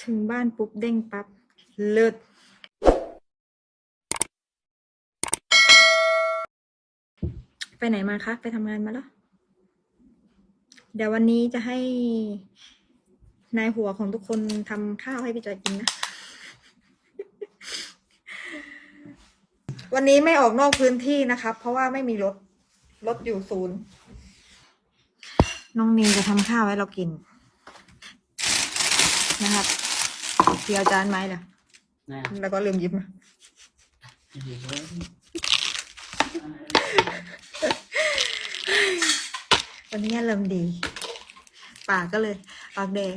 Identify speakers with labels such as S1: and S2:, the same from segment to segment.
S1: ถึงบ้านปุ๊บเด้งปั๊บเลิศไปไหนมาคะไปทำงานมาแล้วเดี๋ยววันนี้จะให้นายหัวของทุกคนทำข้าวให้พี่จอยกินนะ วันนี้ไม่ออกนอกพื้นที่นะครับเพราะว่าไม่มีรถอยู่ศูนย์น้องนีจะทำข้าวให้เรากินนะครับเดี๋ยวจานไม้ล่ะแล้วก็ลืมหยิบมาวันนี้เริ่มดีปากก็เลยปากแดง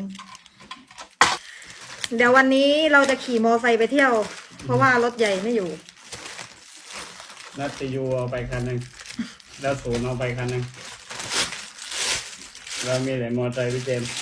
S1: เดี๋ยววันนี้เราจะขี่มอไซค์ไปเที่ยวเพราะว่ารถใหญ่ไม่อยู่
S2: นัตยูเอาไปคันหนึ่งแล้วศูนย์เอาไปคันหนึ่งเรามีแต่มอเตอร์ไซค์พี่เจมส์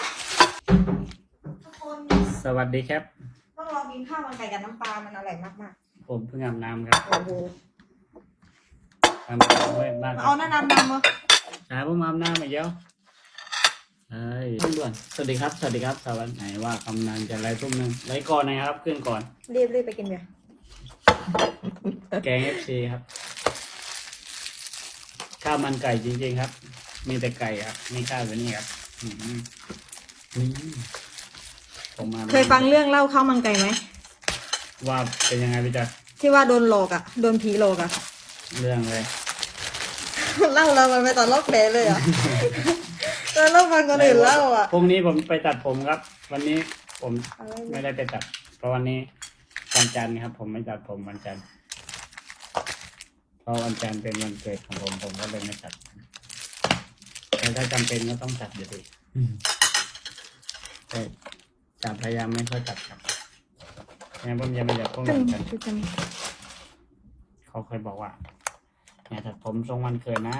S1: ทุกคน
S2: สวัสดีครับ
S1: ต้องลองกินข้าวมันไก่กับน้ำปลามันอร่อยมาก
S2: ผมเพิ่งอาบน้ำครับ
S1: ๆโอ้โห
S2: อาบน้ำไว้บ้าน
S1: เอาหน้าน้ำดำมา
S2: หาผมอาบน้ำมาเยอะเฮ้ยด่วนสวัสดีครับสวัสดีครับสวัสดีไหนว่ากำนันจะไล่ทุ่มนึงไล่ก่อนนะครับขึ้นก่อน
S1: รีบไปกินเบียร์
S2: แกง FC ครับข้าวมันไก่จริงๆครับมีแต่ไก่ครับไม่ข้าวแบบนี้ครับนี่ผมมา
S1: เคยฟังเรื่องเล่าข้าวมันไก่ไหม
S2: ว่าเป็นยังไงพี่จ๊ะ
S1: ที่ว่าโดนหลอกอ่ะโดนผีหลอกอ่ะ
S2: เรื่องเลย
S1: เล่าเรามันไปตอนลอกแผลเลยอ่ะตอนลอกฟังคนอื่นเล่าอ่ะ
S2: พรุ่งนี้ผมไปตัดผมครับ วันนี้ผมไม่ได้ไปตัดเพราะวันนี้วันจันทร์ครับผมไม่ตัดผมวันจันทร์เพราะวันจันทร์เป็นวันเกิดของผมก็เลยไม่ตัดแต่ถ้าจำเป็นก็ต้องตัดอยู่ดีแต่จะพยายามไม่ค่อยตัดครับงั้นผมยังไม่อยากพ้องกันเขาเคยบอกว่าอย่าตัดผมทรงวันเกิดนะ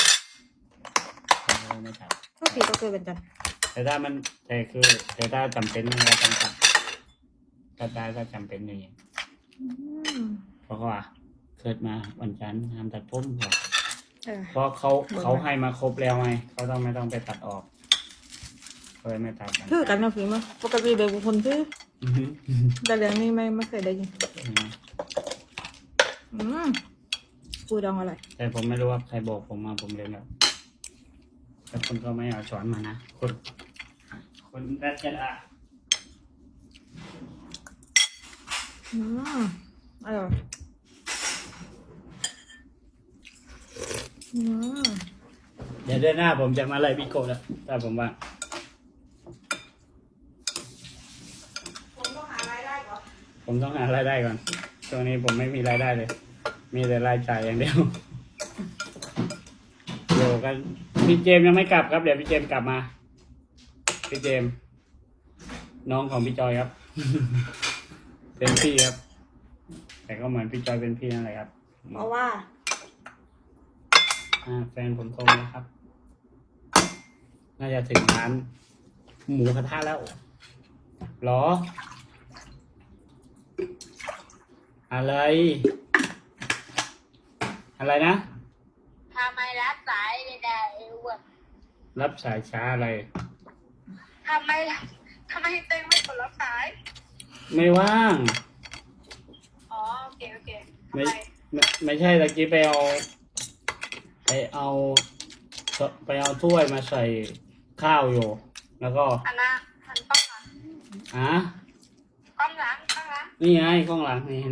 S2: ไม่ตัด
S1: ก็ผีก็เกิดเป็นจัน
S2: แต่ถ้ามันแต่ถ้าจำเป็นเราต้องตัดก็ได้ถ้าจำเป็นอย่างนี้เพราะว่าเกิดมาวันจันทร์ห้ามตัดผมเพราะเขาให้มาครบแล้วไงเขาไม่ต้องไปตัดออกเลยไม่ตัด
S1: คือกันนะพี่มั้ยปกติเด็กบางคนคือแต่เรื่องนี้ไม่เคยได้ยินปูดองอร่อย
S2: แต่ผมไม่รู้ว่าใครบอกผมมาผมเรียนแบบแต่คนก็ไม่เอาสอนมานะคนแรกจะอ่ะ
S1: อร่อย
S2: เดี๋ยวเดือนหน้าผมจะมาไล่บิโก้แล้วถ้าผมว่าผมต้องหารายได้ก่อนช่วงนี้ผมไม่มีรายได้เลยมีแต่รายจ่ายอย่างเดียวอยู่กันพี่เจมยังไม่กลับครับเดี๋ยวพี่เจมกลับมาพี่เจมน้องของพี่จอยครับ เป็นพี่ครับแต่ก็เหมือนพี่จอยเป็นพี่นั่นแหละครับ
S1: เพราะว่า
S2: แฟนผมโทรนะครับน่าจะถึงร้านหมูกระทะแล้วหรออะไรนะ
S3: ทำไมรับสายไม่ได้วะ
S2: รับสายช้าอะไร
S3: ทำไมเต็งไม่กดรับสาย
S2: ไม่ว่าง
S3: อ๋อโอเค
S2: ไม่ใช่ตะกี้ไปเอาถ้วยมาใส่ข้าวอยู่แล้วก็
S3: อันนั้นกล้องหลังกล้องหลัง
S2: นี่ไงกล้องหลังนี่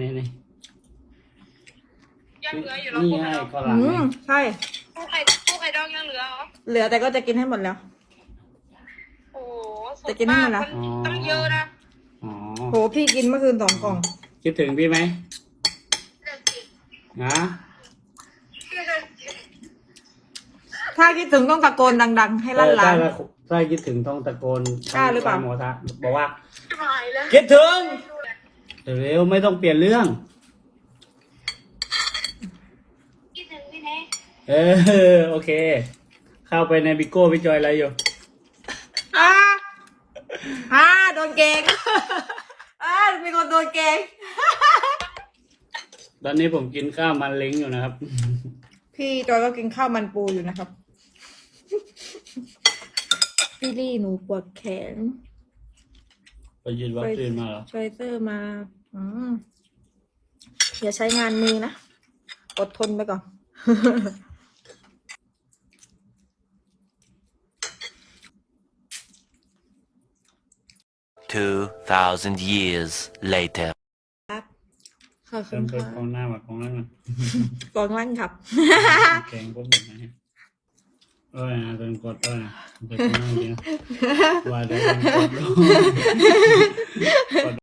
S3: ยังเหลืออยู่แล้ว
S2: นี่ไงกล้องหลัง
S1: ใช่
S3: ผู้ไข่ดองยังเหลือเหรอ
S1: เหลือแต่ก็จะกินให้หมดแล้ว
S3: โอ้
S1: จะกินให้หมดแล้ว
S3: ต้องเยอะนะ
S1: โหพี่กินเมื่อคืน2 กล่อง
S2: คิดถึงพี่ไหม
S1: ถ้าคิดถึงต้องตะโกนดังๆให้ลั่นล้าน
S2: ถ้าคิดถึงต้องตะโกน
S1: กล้าหรือเปล่า
S2: หมอทะบอกว่าคิดถึงเร็วไม่ต้องเปลี่ยนเรื่อง
S3: คิดถึงพี่เน
S2: โอเคเข้าไปในบิโก้พี่จอยอะไรอยู่
S1: โดนเกงมีคนโดนเกง
S2: ตอนนี้ผมกินข้าวมันเล้งอยู่นะครับ
S1: พี่จอยก็กินข้าวมันปูอยู่นะครับพี่ลี่หนูปวดแขน
S2: ไปยืนวัคซีนมาเหรอ
S1: ไฟเซอร์มา อย่าใช้งานมือนะ อดทนไปก่อน
S4: 2,000 years later.
S1: ครับขอบคุ
S2: เติ
S1: ณ
S2: มเติม
S1: ค่ะ
S2: กองหน้ามากองหล่างอะ
S1: กองล่างครับ
S2: แกงพวกนี้นะนะเติมกดนะเติมกองหน้าจริงว่าเติมกด